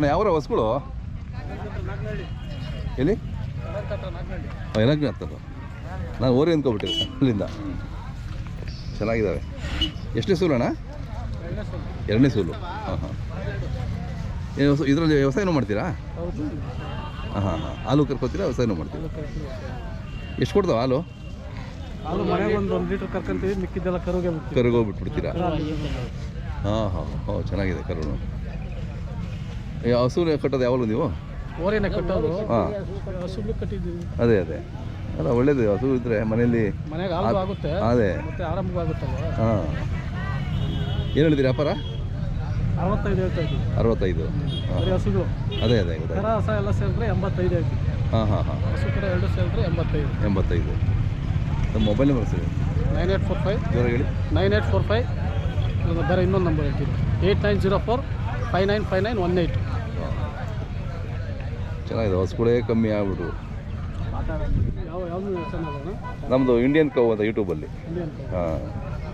ಅಣ್ಣ ಯಾವ ಹೊಸ್ಗಳು ಎಲ್ಲಿ ಏನಾಗ್ಲಿ ಆಗ್ತದೆ ನಾನು ಓರಿ ಅಂದ್ಕೊಬಿಟ್ಟಿದ್ದೆ ಅಲ್ಲಿಂದ ಚೆನ್ನಾಗಿದ್ದಾವೆ ಎಷ್ಟನೇ ಸೂಲು ಅಣ್ಣ ಎರಡನೇ ಸೂಲು ಹಾಂ ಹಾಂ ಇದರಲ್ಲಿ ವ್ಯವಸಾಯನೂ ಮಾಡ್ತೀರಾ ಹಾಂ ಹಾಂ ಹಾಂ ಹಾಲು ಕರ್ಕೊತೀರಾ ವ್ಯವಸಾಯನೂ ಮಾಡ್ತೀರಾ ಎಷ್ಟು ಕೊಡ್ತಾವೆ ಹಾಲು ಒಂದು ಲೀಟರ್ ಕರ್ಕೊಂತೀವಿ ಮಿಕ್ಕಿದ್ದೆಲ್ಲ ಕರುಗೋಗ್ಬಿಟ್ಬಿಡ್ತೀರಾ ಹಾಂ ಹಾಂ ಹೋ ಚೆನ್ನಾಗಿದೆ ಕರುನು ಹಸು ಕಟ್ಟೋದು ಯಾವಾಗಲೂ ನೀವು ಓರಿನ ಕಟ್ಟೋದು ಹಾಂ ಹಸು ಕಟ್ಟಿದ್ದೀವಿ ಅದೇ ಅಲ್ಲ ಒಳ್ಳೇದು ಹಸು ಇದ್ದರೆ ಮನೆಯಲ್ಲಿ ಮನೆಗೆ ಹಾಲು ಆಗುತ್ತೆ ಅದೇ ಮತ್ತೆ ಆರಂಭವಾಗುತ್ತಲ್ವ ಹಾಂ ಏನು ಹೇಳಿದ್ದೀರಿ ವ್ಯಾಪಾರ 65 ಹೇಳ್ತಾ ಇದ್ದೀವಿ 65 ಬರೀ ಹಸುಗಳು ಅದೇ ಕರ ಹಸ ಎಲ್ಲ ಸೇರಿದ್ರೆ 85 ಹೇಳ್ತೀವಿ ಹಾಂ ಹಾಂ ಹಾಂ ಹಸು ಕರ ಎರಡು ಸೇರಿದ್ರೆ 85 ನಮ್ಮ ಮೊಬೈಲ್ ನಂಬರ್ ಸರಿ 9845 ಜೋರಾಗಿ ಹೇಳಿ 9845 ಬೇರೆ ಇನ್ನೊಂದು ನಂಬರ್ ಹೇಳ್ತೀವಿ 8904 595918 ಚೆನ್ನಾಗಿದೆ ಹಸುಗಳೇ ಕಮ್ಮಿ ಆಗ್ಬಿಟ್ರು ಯಾವುದು ಚೆನ್ನಾಗೋಣ ನಮ್ಮದು ಇಂಡಿಯನ್ ಕೌ ಅಂತ ಯೂಟ್ಯೂಬಲ್ಲಿ ಹಾಂ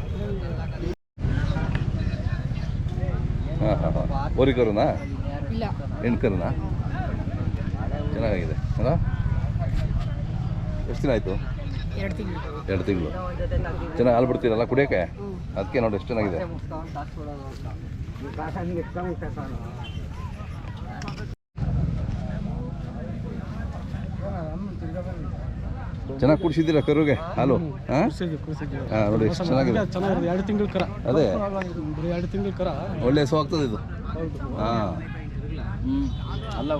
ಹಾಂ ಹಾಂ ಹಾಂ ಓರಿ ಕರುನಾ ಹೆಣ್ಣು ಕರುನಾ ಚೆನ್ನಾಗಿದೆ ಅಲ್ಲ ಎಷ್ಟು ದಿನ ಆಯಿತು 2 ತಿಂಗಳು ಚೆನ್ನಾಗಿ ಹಾಲು ಬಿಡ್ತೀರಲ್ಲ ಕುಡಿಯೋಕ್ಕೆ ಅದಕ್ಕೆ ನೋಡಿ ಎಷ್ಟು ಚೆನ್ನಾಗಿದೆ ಚೆನ್ನಾಗಿ ಕುಡಿಸಿದ್ದೀರಾ ಕರುಗೆ ಹಾಲು ಹಾಂ ಹಾಂ ನೋಡಿ ಎಷ್ಟು ಚೆನ್ನಾಗಿದೆ 2 ತಿಂಗಳು ಕರ ಅದೇ 2 ತಿಂಗಳು ಕರ ಒಳ್ಳೆ ಹಸು ಆಗ್ತದೆ ಇದು ಹಾಂ ಅಲ್ಲ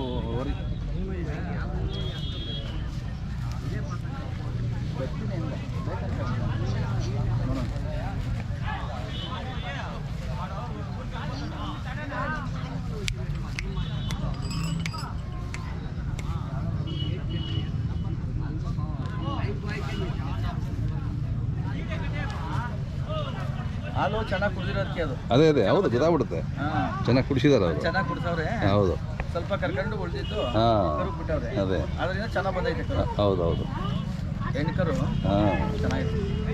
ಹಾಲು ಚೆನ್ನಾಗಿ ಕುಡಿದಿರೋದಕ್ಕೆ ಅದು ಅದೇ ಹೌದು ಗೊತ್ತಾಗ್ಬಿಡುತ್ತೆ ಚೆನ್ನಾಗಿ ಕುಡಿಸಿದಾರೆ ಅವರು ಚೆನ್ನಾಗಿ ಕುಡಿಸವ್ರೆ ಹೌದು ಸ್ವಲ್ಪ ಕರ್ಕೊಂಡು ಉಳಿದಿದ್ದು ಹಾಂ ಕರು ಬಿಟ್ಟವ್ರೆ ಅದೇ ಅದರಿಂದ ಚೆನ್ನಾಗಿ ಬಂದೈತೆ ಕರು ಹೌದು ಹೆಣ್ಣು ಕರು ಹಾಂ ಚೆನ್ನಾಗಿದೆ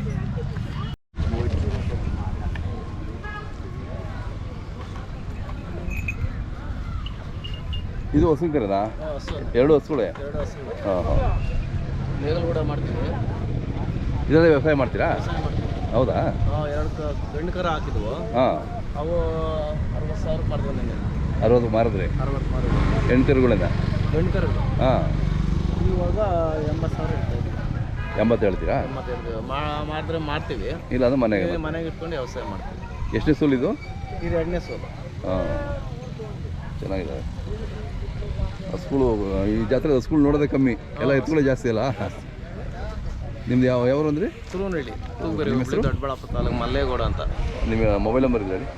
ಇದು ಹಸು ಕರೆನಾ 2 ಹಸುಗಳೇ ಹಾಂ ಹಾಂ ಮೇಲ್ಗೂಡ ಮಾಡ್ತೀವಿ ಇದರಲ್ಲಿ ವ್ಯವಸಾಯ ಮಾಡ್ತೀರಾ ಹೌದಾ 2 ಗಂಡು ಕರ ಹಾಕಿದ್ವು ಹಾಂ ಅವು 60,000 ಮಾಡಿದ್ವಿ 60 ಮಾರಿದ್ರಿ 60 ಮಾಡಿದ್ವಿ ಹೆಣ್ಣು ಕರುಗಳಿಂದ ಗಂಡು ಕರಗಳು ಹಾಂ ಇವಾಗ 80,000 ಇರ್ತಾ ಇದ್ವಿ 80 ಹೇಳ್ತೀರಾ 80 ಮಾಡಿದ್ರೆ ಮಾಡ್ತೀವಿ ಇಲ್ಲ ಅದು ಮನೆಗೆ ಮನೆಗೆ ಇಟ್ಕೊಂಡು ವ್ಯವಸಾಯ ಮಾಡ್ತೀವಿ ಎಷ್ಟನೇ ಸೂಲು ಇದು ಇದು 2ನೇ ಸೋಲು ಹಾಂ ಚೆನ್ನಾಗಿದೆ ಹಸುಗಳು ಈ ಜಾತ್ರೆ ಹಸುಗಳು ನೋಡೋದೇ ಕಮ್ಮಿ ಎಲ್ಲ ಎತ್ತುಗಳೇ ಜಾಸ್ತಿ ಅಲ್ಲ ನಿಮ್ದು ಯಾವರು ಅಂದ್ರಿ ತುರುವನಹಳ್ಳಿ ತೂಗೇರಿ ದೊಡ್ಡಬಳ್ಳಾಪುರ ತಾಲೂಕು ಮಲ್ಲೇಗೌಡ ಅಂತ ನಿಮ್ಮ ಮೊಬೈಲ್ ನಂಬರ್ ಇದೆ ಹೇಳಿ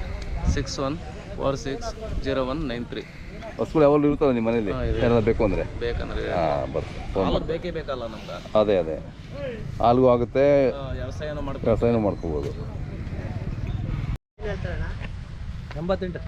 8861460193 ಹಸುಗಳು ಯಾವಾಗಲೂ ಇರ್ತದೆ ನಿಮ್ಮ ಮನೇಲಿ ಏನಾದ್ರು ಬೇಕು ಅಂದರೆ ಬೇಕಂದ್ರೆ ಹಾಂ ಬರ್ತೀನಿ ಫೋನ್ ಮಾಡಿ ಬೇಕೇ ಬೇಕಲ್ಲ ನಮ್ಗೆ ಅದೇ ಹಾಲ್ಗೂ ಆಗುತ್ತೆ ವ್ಯವಸಾಯನೂ ವ್ಯವಸಾಯನೂ ಮಾಡ್ಕೋಬೋದು 88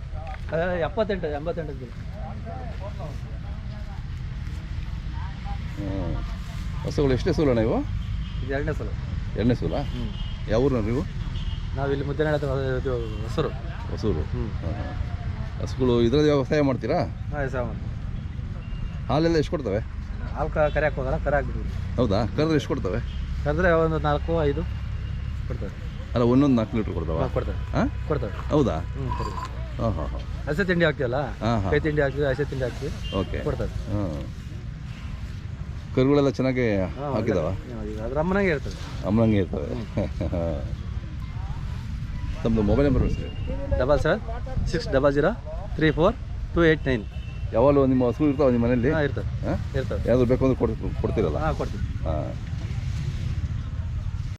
ಹಸುಗಳು ಎಷ್ಟೇ ಸೂಲಣ್ಣ ಇವು ಇದು 2ನೇ ಸಲ 2ನೇ ಸೂಲ ಯಾವ ಊರು ನೀವು ನಾವಿಲ್ಲಿ ಮುದ್ದೆನಾಡ ಹೊಸರು ಹೊಸೂರು ಹಸುಗಳು ಇದರಲ್ಲಿ ವ್ಯವಸಾಯ ಮಾಡ್ತೀರಾ ವ್ಯವಸಾಯ ಮಾಡ್ತೀವಿ ಹಾಲೆಲ್ಲ ಎಷ್ಟು ಕೊಡ್ತವೆ ಹಾಲು ಕರಿಯಕ್ಕೆ ಹೋಗೋಣ ಕರ ಹಾಕ್ಬಿಡ್ತೀವಿ ಹೌದಾ ಕರೆದ್ರೆ ಎಷ್ಟು ಕೊಡ್ತವೆ ಕರೆದ್ರೆ ಒಂದು 4-5 ಕೊಡ್ತವೆ ಅಲ್ಲ ಒಂದೊಂದು 4 ಲೀಟ್ರ್ ಕೊಡ್ತಾವ ಕೊಡ್ತವೆ ಹಾಂ ಕೊಡ್ತವೆ ಹೌದಾ ಸರಿ ಹಾಂ ಹಸೆ ತಿಂಡಿ ಹಾಕ್ತೀವಲ್ಲ ಕೈ ತಿಂಡಿ ಹಾಕ್ತೀವಿ ಹಸೆ ತಿಂಡಿ ಹಾಕ್ತೀವಿ ಓಕೆ ಕೊಡ್ತವೆ ಹಾಂ ಕರುಗಳೆಲ್ಲ ಚೆನ್ನಾಗಿ ಹಾಕಿದಾವ ಅದ್ರ ಅಮ್ಮನಾಗೆ ಇರ್ತದೆ ಅಮ್ಮನಂಗೆ ಇರ್ತವೆ ತಮ್ಮದು ಮೊಬೈಲ್ ನಂಬರ್ ಸರ್ 7760034289 ಯಾವಾಗಲೂ ನಿಮ್ಮ ಹಸು ಇರ್ತಾವೆ ನಿಮ್ಮ ಮನೇಲಿ ಇರ್ತವೆ ಯಾವ್ದು ಬೇಕು ಅಂದ್ರೆ ಕೊಡ್ತೀರಲ್ಲ ಕೊಡ್ತೀವಿ ಹಾಂ